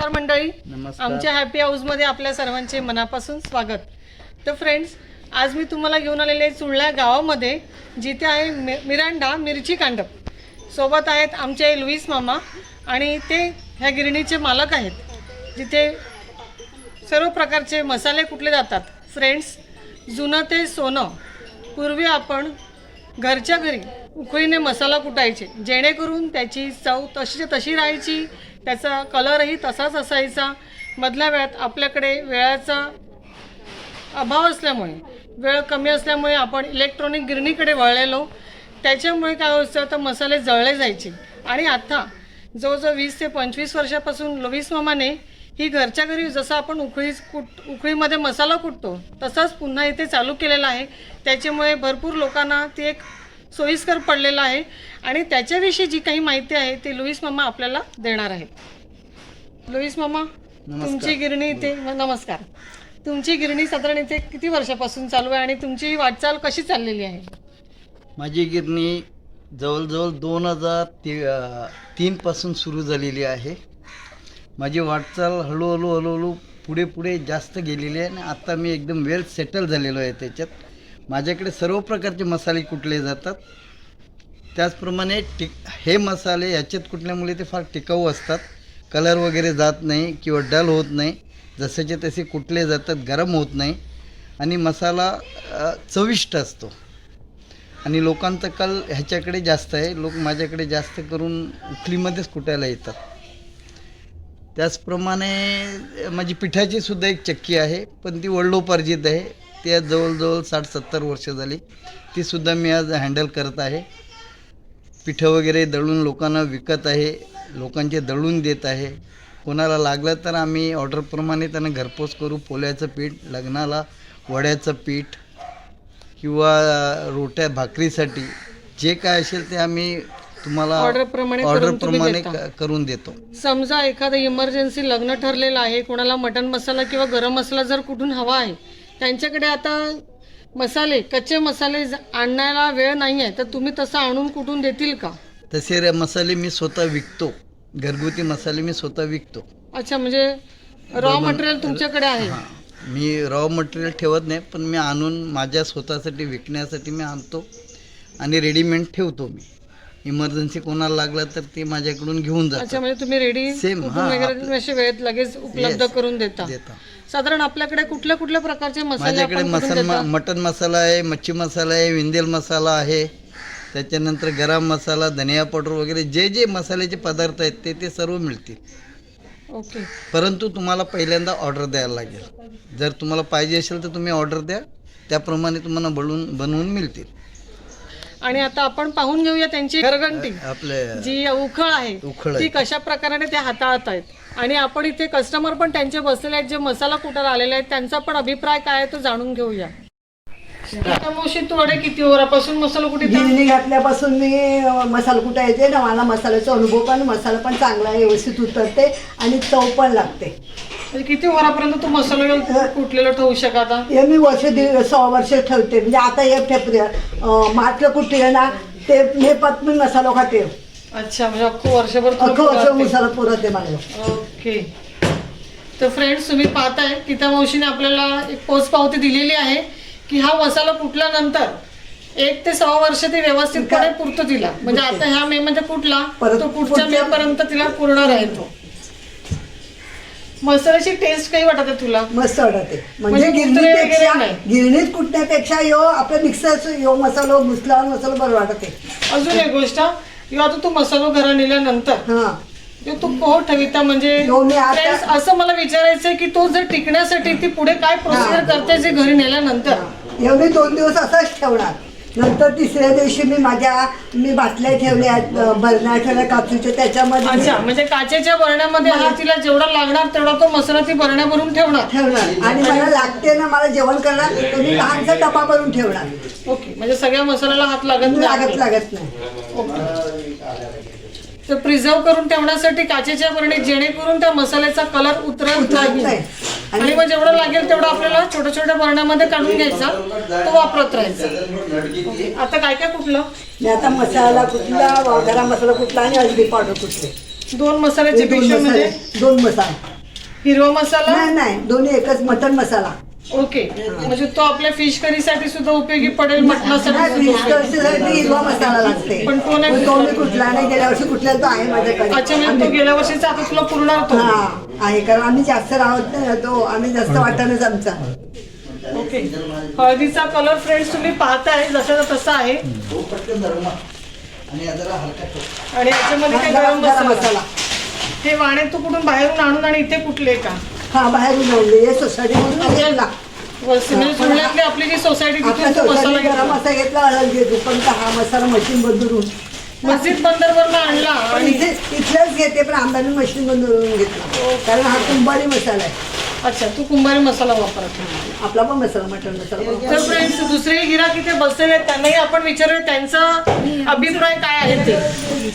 नमस्कार मंडळी, आमच्या हॅपी हाऊसमध्ये आपल्या सर्वांचे मनापासून स्वागत. तर फ्रेंड्स, आज मी तुम्हाला घेऊन आलेले चुळला गावामध्ये, जिथे आहे मिरांडा मिरची कांडप. सोबत आहेत आमचे लुईस मामा आणि ते ह्या गिरणीचे मालक आहेत, जिथे सर्व प्रकारचे मसाले कुटले जातात. फ्रेंड्स, जुनं ते सोनं. पूर्वी आपण घरच्या घरी उकळीने मसाला कुटायचे, जेणेकरून त्याची चव तशीच्या तशी राहायची, त्याचा कलरही तसाच असायचा. मधल्या वेळात आपल्याकडे वेळाचा अभाव असल्यामुळे, वेळ कमी असल्यामुळे आपण इलेक्ट्रॉनिक गिरणीकडे वळलेलो. त्याच्यामुळे काय व्हायचं तर मसाले जळले जायचे. आणि आता जवळजवळ 20 ते 25 वर्षापासून लुईस मामाने ही घरच्या घरी जसं आपण उकळीमध्ये मसाला कुटतो तसाच पुन्हा इथे चालू केलेला आहे. त्याच्यामुळे भरपूर लोकांना ती एक सोयीस्कर पडलेलं आहे आणि त्याच्याविषयी जी काही माहिती आहे ती लुईस मामा आपल्याला देणार आहेत. लुईस मामा, तुमची गिरणी इथे नमस्कार. तुमची गिरणी साधारण इथे किती वर्षापासून चालू आहे आणि तुमची वाटचाल कशी चाललेली आहे? माझी गिरणी जवळजवळ 2003 पासून सुरू झालेली आहे. माझी वाटचाल हळूहळू पुढे जास्त गेलेली आहे आणि आता मी एकदम वेल सेटल झालेलो आहे. त्याच्यात माझ्याकडे सर्व प्रकारचे मसाले कुटले जातात. त्याचप्रमाणे हे मसाले याच्यात कुटल्यामुळे ते फार टिकाऊ असतात, कलर वगैरे जात नाही किंवा डल होत नाही, जसेचे तसे कुटले जातात, गरम होत नाही आणि मसाला चविष्ट असतो. आणि लोकांचा कल ह्याच्याकडे जास्त आहे. लोक माझ्याकडे जास्त करून उखलीमध्येच कुटायला येतात. त्याचप्रमाणे माझी पिठाची सुद्धा एक चक्की आहे, पण ती वडिलोपार्जित आहे. त्या जवळजवळ 60-70 वर्ष झाली. तीसुद्धा मी आज हँडल करत आहे. पिठं वगैरे दळून लोकांना विकत आहे, लोकांचे दळून देत आहे. कोणाला लागलं तर आम्ही ऑर्डरप्रमाणे त्यांना घरपोच करू. पोळ्याचं पीठ, लग्नाला वड्याचं पीठ किंवा रोट्या भाकरीसाठी जे काय असेल ते आम्ही तुम्हाला ऑर्डरप्रमाणे करून देतो. समजा एखादं इमर्जन्सी लग्न ठरलेलं आहे, कोणाला मटन मसाला किंवा गरम मसाला जर कुठून हवा आहे, त्यांच्याकडे आता मसाले, कच्चे मसाले आणायला वेळ नाही आहे, तर तुम्ही तसं आणून कुठून देतील का? तसे मसाले मी स्वतः विकतो. घरगुती मसाले मी स्वतः विकतो. अच्छा, म्हणजे रॉ मटेरियल तुमच्याकडे आहे? मी रॉ मटेरियल ठेवत नाही, पण मी आणून माझ्या स्वतःसाठी विकण्यासाठी मी आणतो आणि रेडीमेड ठेवतो. मी इमर्जन्सी कोणाला लागला तर ते माझ्याकडून घेऊन जातात. अच्छा, म्हणजे तुम्ही रेडी सेम वगैरे वेळेत लगेच उपलब्ध करून देता. साधारण आपल्याकडे कुठल्या कुठल्या प्रकारचे मसाले? माझ्याकडे मटन मसाला आहे, मच्छी मसाला आहे, विंदेल मसाला आहे, त्याच्यानंतर गरम मसाला, धनिया पावडर वगैरे जे जे मसाल्याचे पदार्थ आहेत ते सर्व मिळतील. ओके. परंतु तुम्हाला पहिल्यांदा ऑर्डर द्यायला लागेल. जर तुम्हाला पाहिजे असेल तर तुम्ही ऑर्डर द्या, त्याप्रमाणे तुम्हाला बनवून मिळतील. आणि आता आपण पाहून घेऊया त्यांची घरघंटी, आपले जी उखळ आहे ती कशा प्रकारे ते हाताळत आहेत. आणि आपण इथे कस्टमर पण त्यांचे बसलेले आहेत, जे मसाला कुटायला आलेले आहेत, त्यांचा पण अभिप्राय काय आहे तो जाणून घेऊया. मावशी, थोडे किती वरापासून मसाला कुठे गिरणी घातल्यापासून मी मसाला कुटायचे ना. मला मसाल्याचा अनुभव पण, मसाला पण चांगला व्यवस्थित उतरते आणि चव पण लागते. किती वरापर्यंत तो मसाला कुटलेला ठेवू शकता? हे मी 1.5 वर्ष ठेवते. म्हणजे आता हे मार्चला कुठले ना ते मे पात मी मसाला खाते. अच्छा, म्हणजे अख्खं वर्षभर मसाला पुरते मला. ओके. तर फ्रेंड्स, तुम्ही पाहताय गीता मावशीने आपल्याला एक पोच पावती दिलेली आहे की हा मसाला कुटल्यानंतर 1 ते 6 वर्ष ते व्यवस्थितपणे पुरतो तिला. म्हणजे आता ह्या मे मध्ये कुठला तो पुढच्या मे पर्यंत तिला पूर्ण राहतो. मसाल्याची टेस्ट काही वाटत आहे तुला? मस्त वाटते. म्हणजे गिरणीत कुटण्यापेक्षा यो आपल्या मिक्सर यो मसाला मुसलावर मसाला बरं वाटते. अजून एक गोष्ट, आता तू मसाला घरा नेल्यानंतर तू पोह ठेविता, म्हणजे असं मला विचारायचंय की तो जर टिकण्यासाठी ती पुढे काय प्रोसिजर करते जे घरी नेल्यानंतर? एवढे 2 दिवस असाच ठेवणार. नंतर तिसऱ्या दिवशी मी बाटल्या ठेवल्या, बरण्या ठेवल्या काचेच्या, त्याच्यामध्ये. अच्छा, म्हणजे काचेच्या बरण्यामध्ये हा तिला जेवढा लागणार तेवढा तो मसाला ती बरण्या भरून ठेवणार. आणि मला लागते ना, मला जेवण करणार तर मी लहानसा डबा भरून ठेवणार. ओके, म्हणजे सगळ्या मसाल्याला हात लागत नाही. ओके. तर प्रिझर्व करून ठेवण्यासाठी काचेच्या बरणी, जेणेकरून त्या मसाल्याचा कलर उतरत नाही. आणि मग जेवढं लागेल तेवढं आपल्याला छोट्या छोट्या बरण्यामध्ये काढून घ्यायचा, तो वापरत राहायचा. आता काय काय कुठलं? आता मसाला कुठला, गरम मसाला कुठला आणि हळदी पावडर कुठले. 2 मसाल्याचे पेशंट म्हणजे 2 मसाला. हिरवा मसाला नाही नाही दोन्ही एकच मटन मसाला. ओके, म्हणजे तो आपल्या फिश करी साठी सुद्धा उपयोगी पडेल, मटणासाठी नाही, सुद्धा फिश उपयोगी. करीसाठी हिरवा मसाला लागते. पण तो नाही तो मी कुठला नाही, गेल्या वर्षी कुठला तो आहे माझ्याकडे. अच्छा, म्हणजे तो गेल्या वर्षीचा आता तुला पुरणार तो. हा आहे, कारण आम्ही जास्त राहत नाही ना, तो आम्ही जास्त वाटणच आमचा. ओके, हळदीचा कलर फ्रेंड्स तुम्ही पाहताय जसा तसा आहे. तो पटकन धर्म आणि हा जरा हलका ठेव. आणि याच्यामध्ये काय गरम गरम मसाला. हे वाणे तू कुठून बाहेरून आणून आणि इथे कुठले का हा बाहेरून आणले, हे सोसायटी मधून घेतला. म्हणजे सुरल्यातली आपली जी सोसायटी आपल्या तिथून तो मसाला सोसायटी गरम घेतला. मसाला घेतला, हळद घेतो, पण हा मसाला मशीन बंदरून मस्जिद बंदरवरनं आणला आणि इथल्याच घेते, पण आंब्याने मशीन बंदरून घेतला, कारण हा कुंभारी मसाला आहे. अच्छा, तू कुंभारी मसाला वापरत. आपला पण मसाला मटण मसाला तर फ्रेंड्स दुसरे गिराक इथे बसलेले आहेत, त्यांनाही आपण विचारूया त्यांचा अभिप्राय काय आहे ते.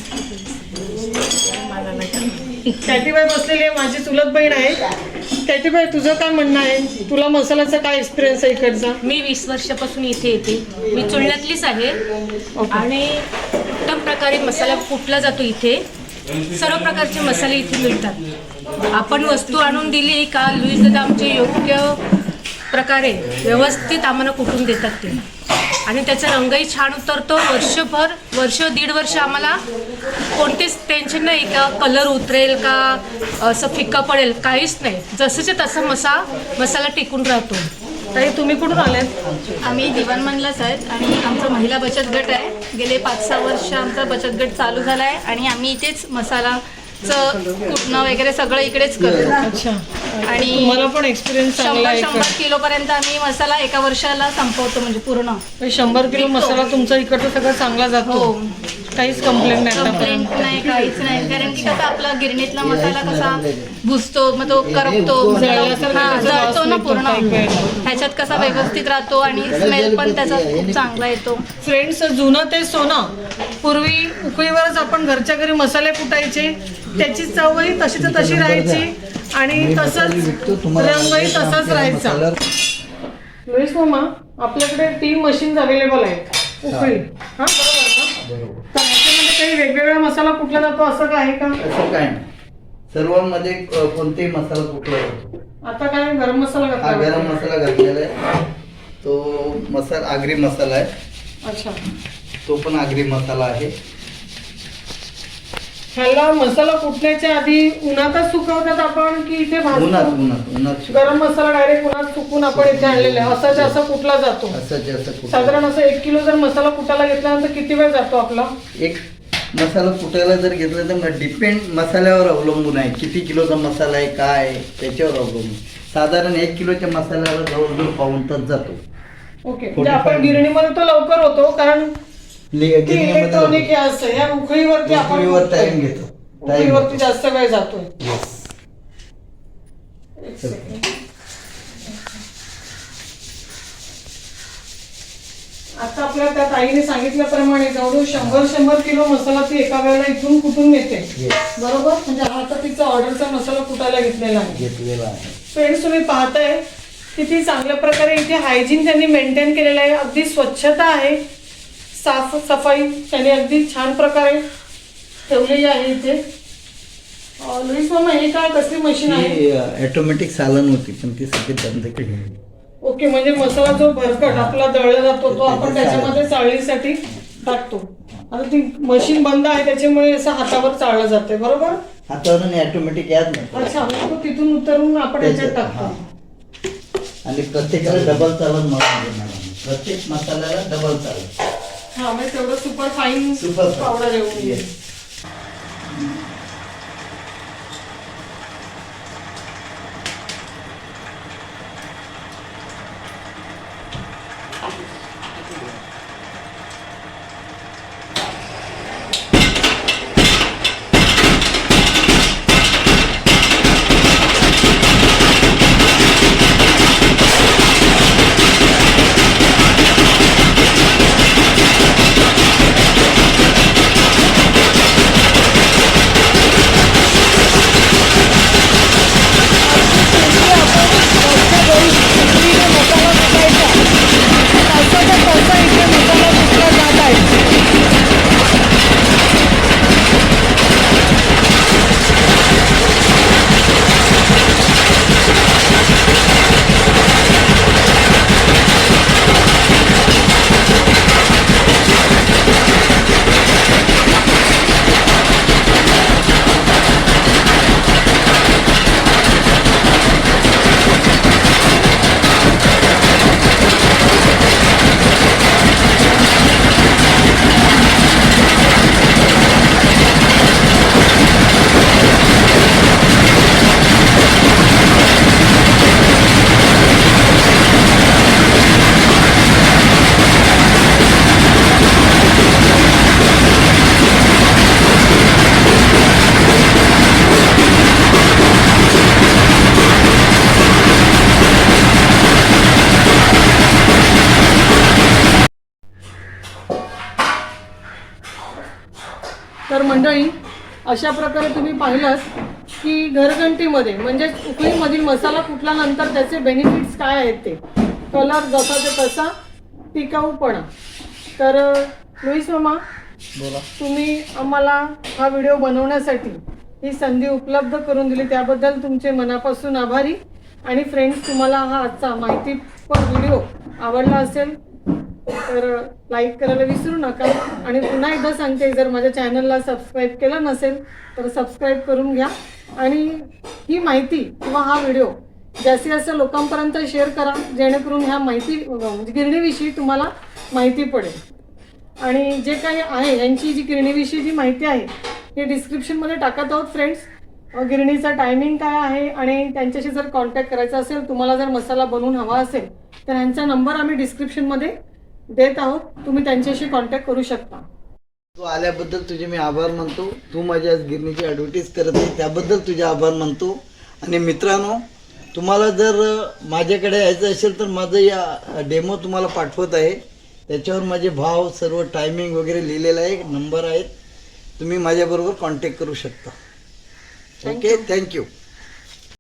कॅटीबाई बसलेली आहे, माझी चुलत बहीण आहे. कॅटीबाई, तुझं काय म्हणणं आहे? तुला मसाल्याचा काय एक्सपिरियन्स आहे इकडचा? मी 20 वर्षापासून इथे येते. मी चुलण्यातलीच आहे आणि उत्तम प्रकारे मसाला कुटला जातो इथे. सर्व प्रकारचे मसाले इथे मिळतात. आपण वस्तू आणून दिली का लुईस दादा आमचे योग्य प्रकारे व्यवस्थित आम्हाला कुटून देतात ते, आणि त्याचा रंगही छान उतरतो. वर्ष दीड वर्ष आम्हाला कोणतेच टेन्शन नाही का कलर उतरेल का असं फिक्का पडेल, काहीच नाही. जसंच्या तसा मसाला टिकून राहतो. ताई, तुम्ही कुठून आल्यात? आम्ही दिवाणमधलाच आहेत आणि आमचा महिला बचत गट आहे. गेले 5-6 वर्ष आमचा बचत गट चालू झाला आहे आणि आम्ही इथेच मसालाचं कुटणं वगैरे सगळं इकडेच करतो. अच्छा, आणि तुम्हाला पण एक्सपिरियन्स चांगला आहे. 100 किलोपर्यंत आम्ही मसाला एका वर्षाला संपवतो, म्हणजे पूर्ण. 100 किलो मसाला तुमचा इकडचा सगळं चांगला जातो. हो. काहीच कंप्लेंट नाही कंप्लेंट आतापर्यंत. नाही, काहीच नाही. कारण की कसं आपला गिरणीतला मसाला कसा भुजतो, मग तो करपतो, जळल्यासारखा हा, त्याचा वास जळतो ना निघतो पूर्ण. काही वेळेला. ह्याच्यात कसा व्यवस्थित राहतो आणि स्मेल पण त्याचा खूप चांगला येतो. फ्रेंड्स, जुनं ते सोनं. पूर्वी उकळीवरच आपण घरच्या घरी मसाले कुटायचे, त्याची चवही तशीच तशी राहायची आणि तसंच रंगही तसाच राहायचा. लुईस मामा, आपल्याकडे 3 मशीन्स अवेलेबल आहेत उकळी. हा, बरोबर ना? तर ह्याच्यामध्ये काही वेगवेगळा मसाला कुठला जातो असं काय आहे का? असं काय नाही, सर्वांमध्ये कोणतेही मसाला कुठला जातो. आता काय गरम मसाला हा घातला? गरम मसाला घातलेला आहे, तो मसाला आगरी मसाला आहे. अच्छा, तो पण आगरी मसाला आहे. ह्याला मसाला कुटण्याच्या आधी उन्हातच सुकवतात आपण की इथे उन्हात भाजतो? उन्हात उन्हात गरम मसाला डायरेक्ट उन्हात सुकून आपण इथे आणलेला आहे. असा जास्त कुठला जातो? असं जास्त कुठं- साधारण असं 1 किलो जर मसाला कुटायला घेतल्यानंतर किती वेळ जातो आपला? एक मसाला कुटायला जर घेतला तर डिपेंड मसाल्यावर अवलंबून आहे, किती किलोचा मसाला आहे काय आहे, त्याच्यावर अवलंबून. साधारण 1 किलोच्या मसाल्यावर जवळजवळ पाऊण तास जातो. ओके, म्हणजे आपण गिरणीमध्ये तो लवकर होतो कारण इलेक्ट्रॉनिक हे असतं. या उखळीवरती आपण उकळीवर टाइम घेतो. उखळीवरती जास्त वेळ जातोय. Yes. एक सेकंड. आता आपल्या त्या ताईने सांगितल्याप्रमाणे जवळजवळ 100 किलो मसाला ती एका वेळेला इथून कुठून नेते. Yes. बरोबर, म्हणजे हा तर तिचा ऑर्डरचा मसाला कुटायला घेतलेला आहे. घेतलेला आहे. फ्रेंड्स, तुम्ही पाहताय किती चांगल्या प्रकारे इथे हायजीन त्यांनी मेंटेन केलेलं आहे. अगदी स्वच्छता आहे, साफ सफाई त्यांनी अगदी छान प्रकारे ठेवलेली आहे इथे. लुईस मामा, हे काय कसली मशीन आहे? ही ऑटोमॅटिक सालन होती पण ती सगळी बंद केली. ओके, म्हणजे मसाला जो भरकट आपला दळला जातो तो आपण त्याच्यामध्ये चाळणीसाठी टाकतो. आता ती मशीन बंद आहे त्याच्यामुळे असं हातावर चाळलं जाते. बरोबर, हातावर ऑटोमॅटिक याद नाही. अच्छा, म्हणजे तो तिथून उतरून आपण याच्यात टाकतो. आणि प्रत्येकाला डबल चालत म्हणून देणार आम्ही. प्रत्येक मसाल्याला डबल चालत. हा, म्हणजे तेवढं super fine Super fine. Powder येऊन येईल. Yes. मंडळी, अशा प्रकारे तुम्ही पाहिलं की घरघंटीमध्ये म्हणजेच उकळीमधील मसाला कुटल्यानंतर त्याचे बेनिफिट्स काय आहेत ते, कलर जसाचा तसा, टिकाऊपणा. तर लुईस मामा, बोला. तुम्ही आम्हाला हा व्हिडिओ बनवण्यासाठी ही संधी उपलब्ध करून दिली त्याबद्दल तुमचे मनापासून आभारी. आणि फ्रेंड्स, तुम्हाला हा आजचा माहितीपर व्हिडिओ आवडला असेल तर लाईक करायला विसरू नका. आणि पुन्हा एकदा सांगते, जर माझ्या चॅनलला सबस्क्राईब केलं नसेल तर सबस्क्राईब करून घ्या. आणि ही माहिती किंवा हा व्हिडिओ जास्तीत जास्त लोकांपर्यंत शेअर करा, जेणेकरून ह्या माहिती म्हणजे गिरणीविषयी तुम्हाला माहिती पडेल. आणि जे काही आहे यांची जी गिरणीविषयी जी माहिती आहे हे डिस्क्रिप्शनमध्ये टाकत आहोत फ्रेंड्स. गिरणीचा टायमिंग काय आहे आणि त्यांच्याशी जर कॉन्टॅक्ट करायचा असेल, तुम्हाला जर मसाला बनवून हवा असेल तर ह्यांचा नंबर आम्ही डिस्क्रिप्शनमध्ये देत आहोत, तुम्ही त्यांच्याशी कॉन्टॅक्ट करू शकता. तू आल्याबद्दल तुझे मी आभार मानतो. तू माझ्या गिरणीची ॲडव्हर्टीज करत आहे त्याबद्दल तुझे आभार मानतो. आणि मित्रांनो, तुम्हाला जर माझ्याकडे यायचं असेल तर माझं या डेमो तुम्हाला पाठवत आहे. त्याच्यावर माझे भाव, सर्व टायमिंग वगैरे लिहिलेलं आहे, नंबर आहेत, तुम्ही माझ्याबरोबर कॉन्टॅक्ट करू शकता. Okay, thank you.